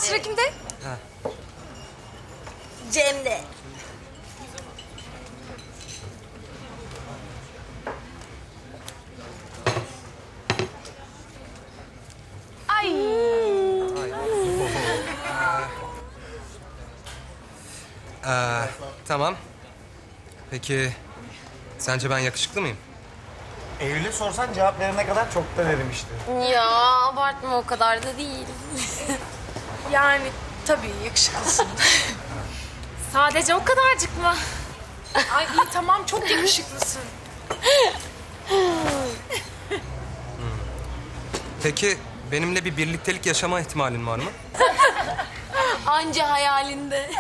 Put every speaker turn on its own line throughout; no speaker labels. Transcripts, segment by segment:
sıra kimde?
Ha.
Cem'de. Ay.
Tamam. Peki sence ben yakışıklı mıyım?
Eylül'e sorsan cevap verene kadar çoktan erimişti.
Ya abartma, o kadar da değil.
Yani tabii yakışıklısın. Sadece o kadarcık mı? Ay iyi tamam çok yakışıklısın.
Peki benimle bir birliktelik yaşama ihtimalin var mı?
Anca hayalinde.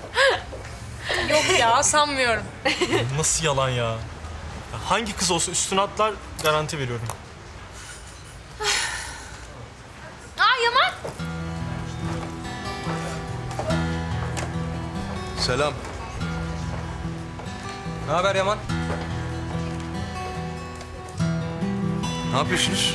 Yok ya sanmıyorum.
Nasıl yalan ya? Hangi kız olsa üstüne atlar, garanti veriyorum.
Aa Yaman.
Selam. Ne haber Yaman? Ne yapıyorsunuz?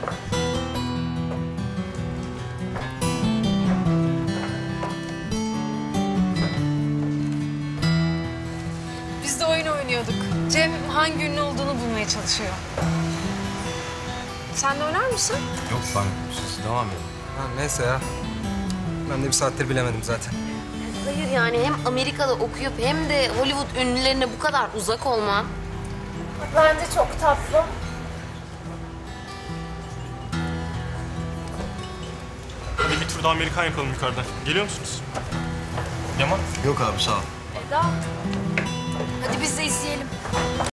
Biz de oyun oynuyorduk. Cem hangi ünlü olduğunu bulmaya çalışıyor. Sen de oynar mısın?
Yok ben siz devam edin. Ha, neyse ya. Ben de bir saattir bilemedim zaten.
Hayır yani hem Amerika'da okuyup hem de Hollywood ünlülerine bu kadar uzak olman.
Bence çok tatlı.
Hadi bir tur daha Amerikan yapalım yukarıda. Geliyor musunuz? Yaman?
Yok abi sağ ol.
Eda. Hadi biz de izleyelim.